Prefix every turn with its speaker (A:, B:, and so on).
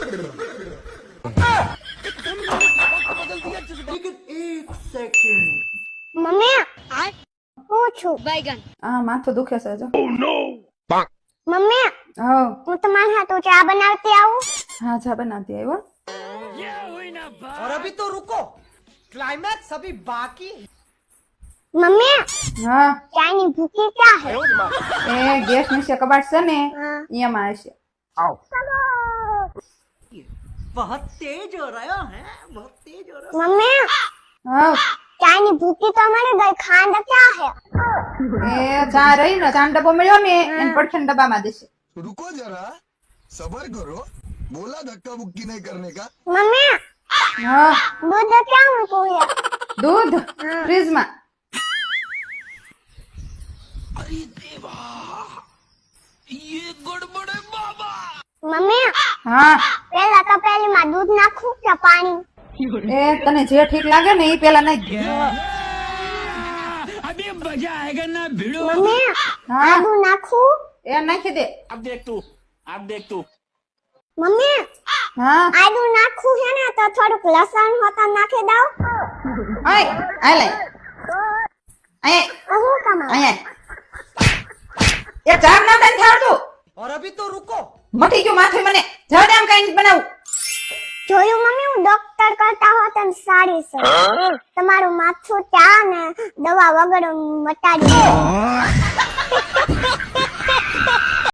A: Mummy હું છું
B: बैगन
C: આ માથું દુખે છે જો.
A: મમ્મી
C: હા
A: હું તમારા હાથું ચા બનાવતી આવું
C: હા ચા બનાવતી આવ્યો.
D: और अभी तो रुको, क्लाइमैक्स अभी बाकी है।
A: મમ્મી
C: હા
A: ચાની ભૂકી ક્યાં હે
C: એ ગેસ નીચે કબાટ છે ને
A: હા.
C: એમાં હશે.
D: बहुत तेज हो रहा है, बहुत तेज हो रहा
A: મમ્મી
C: હા
A: ચાની ભૂકી તો મળી ગઈ ખાંડ ક્યાં હે
C: એ ચા રહી ને ચા ડબ્બો મળ્યો ને એને પડખે ડબ્બામાં દેશે.
E: रुको जरा सबर करो बोला धक्का मुक्की नहीं करने का
A: મમ્મી
C: હા
A: દૂધ ક્યાં મૂકું હે
C: દૂધ ફ્રીજમાં.
A: મમ્મી
C: હા
A: પેલા તપેલીમાં દૂધ નાખું કે પાણી
C: એ તને જે ઠીક લાગે ને એ પેલા નાખી દે.
A: મમ્મી
C: હા
A: આદુ નાખું
C: એ નાખી દે.
A: મમ્મી
C: હા
A: આદુ નાખું છે ને તો થોડુંક લસણ હોતા નાખી દઉં
C: ઓય આ લે અહીંયા
A: હું કમા
C: અહીંયા એ ચા ના દે થાળતું
D: और अभी तो रुको,
C: મટી ગયું માથે મને જવા દે આમ કઈ બનાવું.
A: જોયું મમ્મી હું ડોક્ટર કરતા હોત ને સારી છે તમારું માથું ચા ને દવા વગર મટાડી દે.